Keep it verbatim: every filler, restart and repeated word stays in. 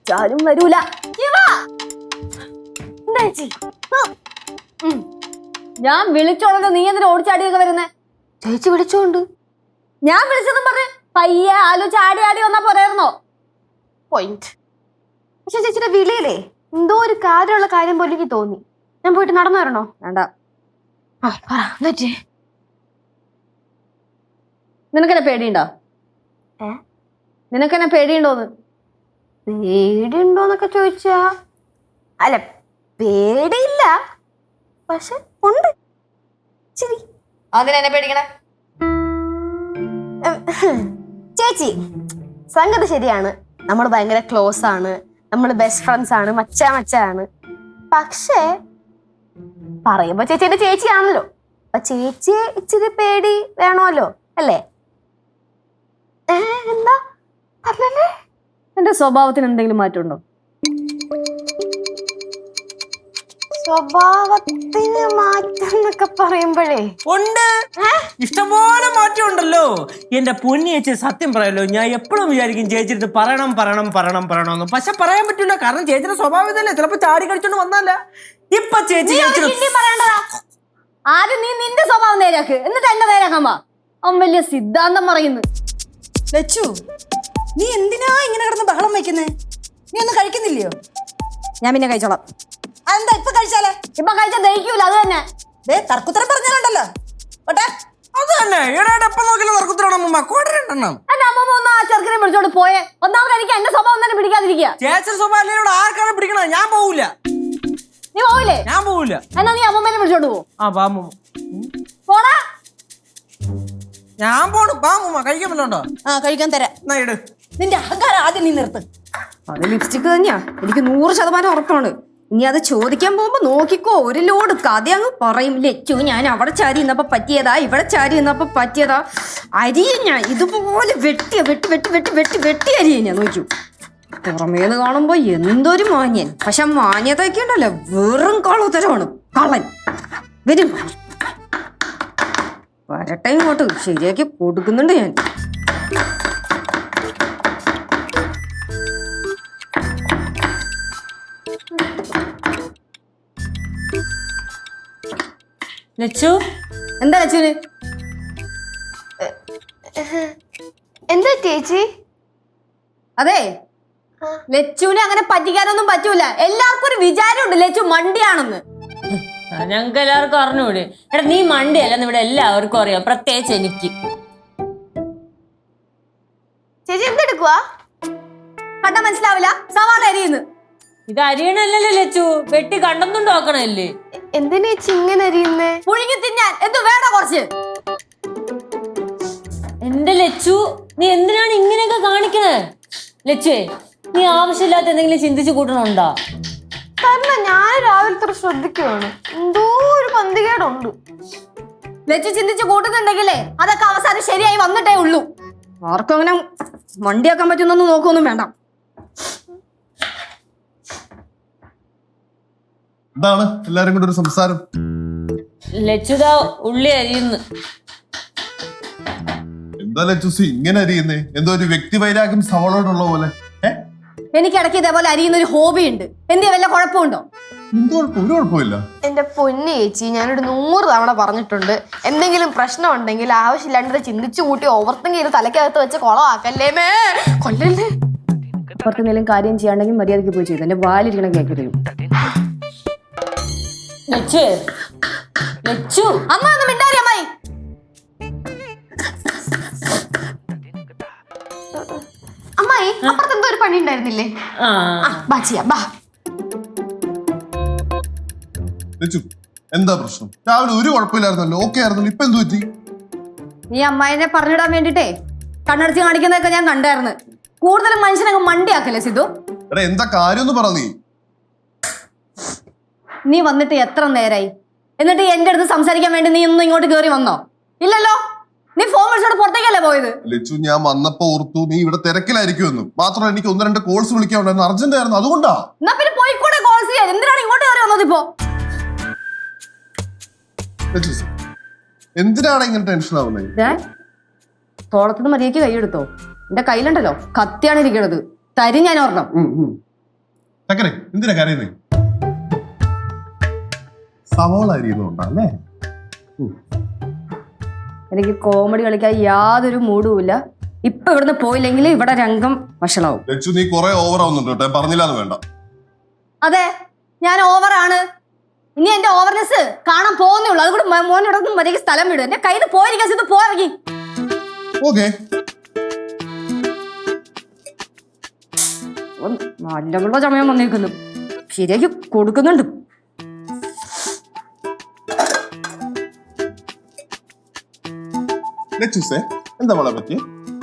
വിളിച്ചാലും വരൂല. ഞാൻ വിളിച്ചോളൂ, നീ എന്തിനാ ഓടിച്ചാടിയൊക്കെ വരുന്നേ? ചേച്ചി വിളിച്ചോണ്ട് ഞാൻ വിളിച്ചതും പറഞ്ഞ് പയ്യെ ആലോ ചാടി ആടി വന്നാ പോരായിരുന്നോ? പോയിന്റ്. പക്ഷെ ചേച്ചിയുടെ വിളിയിലേ എന്തോ ഒരു കാര്യമുള്ള കാര്യം പോലെ എനിക്ക് തോന്നി. ഞാൻ പോയിട്ട് നടന്നു വരണോ? വേണ്ട. നിനക്കെന്നെ പേടിയുണ്ടോ? ഏ നിനക്കെന്നെ പേടിയുണ്ടോന്ന്? പേടിയുണ്ടോന്നൊക്കെ ചോദിച്ചാ അല്ല, പേടിയില്ല, പക്ഷെ ഉണ്ട്. ശരി, അതിനെന്നെ പേടിക്കണേ? ചേച്ചി സംഗതി ശരിയാണ്, നമ്മൾ ഭയങ്കര ക്ലോസ് ആണ്, നമ്മൾ ബെസ്റ്റ് ഫ്രണ്ട്സ് ആണ്, മച്ചാ മച്ചാണ്. പക്ഷേ പറയുമ്പോ ചേച്ചിയുടെ ചേച്ചിയാണല്ലോ, അപ്പൊ ചേച്ചിയെ ഇച്ചിരി പേടി വേണമല്ലോ അല്ലേ? എന്താ അല്ലല്ലേ? എന്റെ സ്വഭാവത്തിന് എന്തെങ്കിലും മാറ്റമുണ്ടോ? സ്വഭാവത്തിന് മാറ്റം എന്നൊക്കെ പറയുമ്പോഴേ ഉണ്ട്, ഇഷ്ടംപോലെ മാറ്റം ഉണ്ടല്ലോ. എന്റെ പൊന്നി ചേച്ചി, സത്യം പറയല്ലോ, ഞാൻ എപ്പോഴും വിചാരിക്കും ചേച്ചിട്ട് പറയണം പറയണം പറയണം പറയണമെന്ന്. പക്ഷെ പറയാൻ പറ്റില്ല, കാരണം ചേച്ചിയുടെ സ്വഭാവം ഇതല്ലേ. ചിലപ്പോ ചാടി കളിച്ചോണ്ട് വന്നല്ല. ഇപ്പൊ ചേച്ചി ആദ്യം നീ നിന്റെ സ്വഭാവം നേരാക്ക്, എന്നിട്ട് എന്റെ നേരാക്കാൻ വാ. അവൻ വലിയ സിദ്ധാന്തം പറയുന്നു. ലച്ചു, നീ എന്തിനാ ഇങ്ങനെ കിടന്ന് ബഹളം വയ്ക്കുന്നേ? നീ ഒന്നും കഴിക്കുന്നില്ലയോ? ഞാൻ പിന്നെ കഴിച്ചോളാം. അതെന്താ ഇപ്പൊ കഴിച്ചാലേ? ഇപ്പൊ കഴിച്ചാൽ ദഹിക്കൂല, അത് തന്നെ. ദേ തർക്കുത്തരം പറഞ്ഞാലുണ്ടല്ലോ. ഓട്ടെ, അത് തന്നെ. ഇവിടെ എപ്പം നോക്കിയാലും തർക്കുത്തരാണ് അമ്മ. കോടരണ്ടെണ്ണം എന്റെ അമ്മ ഒന്ന് ആ ചെറുക്കനെ വിളിച്ചോണ്ട് പോയെ. ഒന്നാമത് എനിക്ക് എന്റെ സ്വഭാവം തന്നെ പിടിക്കാതിരിക്കുക. ചേച്ചിയുടെ സ്വഭാവം അല്ലേ ഇവിടെ ആർക്കാണ് പിടിക്കണത്? ഞാൻ പോവില്ല. നീ പോവില്ലേ? ഞാൻ പോവില്ല. എന്നാ നീ അമ്മമ്മേനെ വിളിച്ചോണ്ട് പോ. ആ പാമ്പ പോടാ. ഞാൻ പോണു. പാമ്പ കഴിക്കാൻ പറ്റുണ്ടോ? ആ കഴിക്കാൻ തരാം. എന്നാ ഇട്. നിന്റെ അഹങ്കാരം ആദ്യം നീ നിർത്ത്. അത് ലിപ്സ്റ്റിക് തന്നെയാ, എനിക്ക് നൂറ് ശതമാനം ഉറപ്പാണ്. ഇനി അത് ചോദിക്കാൻ പോകുമ്പോ നോക്കിക്കോ, ഒരു ലോഡ് കഥ അങ്ങ് പറയും. ലച്ചു, ഞാൻ അവിടെ ചാരി നിന്നപ്പോ പറ്റിയതാ, ഇവിടെ ചാരി നിന്നപ്പോ പറ്റിയതാ. അരിയും ഞാൻ ഇതുപോലെ വെട്ടിയ വെട്ടി വെട്ടി വെട്ടി വെട്ടി വെട്ടി അരിയും ഞാൻ. നോക്കൂ, പുറമേന്ന് കാണുമ്പോ എന്തൊരു മാന്യൻ, പക്ഷെ മാന്യതൊക്കെ ഉണ്ടല്ലോ വെറും കള്ളത്തരമാണ്. കള്ളൻ വരും, വരട്ടെ ഇങ്ങോട്ട്, ശരിയാക്കി കൊടുക്കുന്നുണ്ട് ഞാൻ. ലച്ചു, എന്താ ലച്ചുവിന്? എന്താ ചേച്ചി? അതെ, ലച്ചുവിനെ അങ്ങനെ പറ്റിക്കാനൊന്നും പറ്റൂല. എല്ലാവർക്കും ഒരു വിചാരമുണ്ട് ലച്ചു മണ്ടിയാണെന്ന്. ഞങ്ങൾക്ക് എല്ലാവർക്കും അറിഞ്ഞൂടെ? എടാ, നീ മണ്ടിയല്ലെന്ന് ഇവിടെ എല്ലാവർക്കും അറിയാം, പ്രത്യേകിച്ച് എനിക്ക്. ചേച്ചി എന്തെടുക്കുവാ? കണ്ടാ മനസ്സിലാവില്ല, സവാള അരിയുന്നു. ഇത് അരിയണല്ലോ ലച്ചു, വെട്ടി കണ്ടെന്നും നോക്കണല്ലേ. എന്തിനാ ചേച്ചി ഇങ്ങനെ അരിയുന്നേ? പുഴുങ്ങി തിന്നാൻ എന്ത് വേണ്ട കുറച്ച്. എന്റെ ലച്ചു, നീ എന്തിനാണ് ഇങ്ങനെയൊക്കെ കാണിക്കണേ? ലച്ചുവേ, നീ ആവശ്യമില്ലാത്ത എന്തെങ്കിലും ചിന്തിച്ചു കൂട്ടണുണ്ടോ? കാരണം ഞാൻ രാവിലത്തെ ശ്രദ്ധിക്കുവാണ്, എന്തോ ഒരു പന്തികേടുണ്ട്. ലച്ചു ചിന്തിച്ച് കൂട്ടുന്നുണ്ടെങ്കിലേ അതൊക്കെ അവസാനം ശരിയായി വന്നിട്ടേ ഉള്ളൂ. ആർക്കും അങ്ങനെ വണ്ടിയാക്കാൻ പറ്റുന്നൊന്നും നോക്കൊന്നും വേണ്ട. എന്താണ് എല്ലാരും കൂടെ ഒരു സംസാരം? ലച്ചുതാ ഉള്ളി അരിയുന്നു. എന്താ ലച്ചുസി ഇങ്ങനെ അരിയുന്നേ? എന്തോ ഒരു വ്യക്തി വൈരാഗ്യം സവളോടുള്ള പോലെ. എനിക്ക് ഇടയ്ക്ക് ഇതേപോലെ അരിയുന്ന ഒരു ഹോബി ഉണ്ട്. എന്തേ വല്ല കുഴപ്പമുണ്ടോ? എന്ത് കുഴപ്പം? ഒരു കുഴപ്പമില്ല. എന്റെ പൊന്നി ചേച്ചി, ഞാനൊരു നൂറ് തവണ പറഞ്ഞിട്ടുണ്ട്, എന്തെങ്കിലും പ്രശ്നം ഉണ്ടെങ്കിൽ ആവശ്യമില്ലാണ്ട് ചിന്തിച്ചു കൂട്ടി ഓവർ തിങ്ക് ചെയ്ത് തലക്കകത്ത് വെച്ച് കൊളമാക്കല്ലേ മേ, കൊല്ലല്ലേ. പുറത്തെന്തെങ്കിലും കാര്യം ചെയ്യാണ്ടെങ്കിൽ മര്യാദയ്ക്ക് പോയി ചെയ്തു. എന്റെ വാലിരിക്കണം കേൾക്കരുത്. ലച്ചു, ലച്ചു, അമ്മ ഒന്ന് മിണ്ടാരി. അമ്മായി, അമ്മായി അപ്പുറത്ത് എന്തോ ഒരു പണി ഉണ്ടായിരുന്നില്ലേ? ആ ബാ ചെയ്യാം, ബാ. ലച്ചു എന്താ പ്രശ്നം? രാവിലെ ഒരു കുഴപ്പമില്ലായിരുന്നല്ലോ, ഓക്കെ ആയിരുന്നല്ലോ, ഇപ്പൊ എന്ത് പറ്റി? നീ അമ്മായിനെ പറഞ്ഞിടാൻ വേണ്ടിട്ടേ കണ്ണടച്ച് കാണിക്കുന്നതൊക്കെ ഞാൻ കണ്ടായിരുന്നു. കൂടുതലും മനുഷ്യനങ്ങ് മണ്ടിയാക്കല്ലേ സിദ്ധു? എടാ എന്താ കാര്യം ഒന്ന് പറ. നീ നീ വന്നിട്ട് എത്ര നേരായി? എന്നിട്ട് എന്റെ അടുത്ത് സംസാരിക്കാൻ വേണ്ടി നീ ഒന്നും ഇങ്ങോട്ട് കയറി വന്നോ? ഇല്ലല്ലോ. നീ ഫോൺ വിളിച്ചോണ്ട് പുറത്തേക്കല്ലേ പോയത്? ലച്ചു, ഞാൻ വന്നപ്പോ ഓർത്തു നീ ഇവിടെ തിരക്കിലായിരിക്കുമെന്ന്. മാത്രമല്ല എനിക്ക് ഒന്ന് രണ്ട് കോൾസ് വിളിക്കാനുണ്ടായിരുന്നു, അർജന്റ് ആയിരുന്നു, അതുകൊണ്ടാ. എന്നാ പിന്നെ പോയിക്കൂടെ കോൾസ് ചെയ്യാൻ? എന്തിനാണ് ഇങ്ങോട്ട് കയറി വന്നത് ഇപ്പോ? എന്തിനാണ് ഇങ്ങനെ ടെൻഷൻ ആവുന്നത്? തോളത്തുനിന്ന് മര്യാദയ്ക്ക് കൈയെടുത്തോ. എന്റെ കയ്യിലുണ്ടല്ലോ കത്തിയാണ് ഇരിക്കണത്, തരും ഞാൻ ഓർണം. ചക്കരെ എന്തിനാ കരയുന്നേ? സവോള അരിയുന്നുണ്ടാ അല്ലേ? എനിക്ക് കോമഡി കളിക്കാൻ യാതൊരു മൂടുമില്ല. ഇപ്പൊ ഇവിടുന്ന് പോയില്ലെങ്കിൽ ഇവിടെ രംഗം വഷളാവും. ലച്ചു നീ കുറെ ഓവർ ആവുന്നുണ്ട് കേട്ടോ, പറഞ്ഞില്ലാന്ന് വേണ്ട. അതെ, ഞാൻ ഓവറാണ്. ഇനി എന്റെ ഓവർനെസ് കാണാൻ പോകുന്നേ ഉള്ളൂ. അതുകൂടെ മോനോടൊന്നും മര്യാദ സ്ഥലം വിടും. എന്റെ കയ്യിൽ പോയിരിക്കാൻ ഇത് പോയി. ഓക്കെ, നല്ലവളുടെ സമയം വന്നേക്കുന്നു. ശരിയാക്കി കൊടുക്കുന്നുണ്ട്. ലച്ചുസേ എന്താ മോളെ പറ്റി?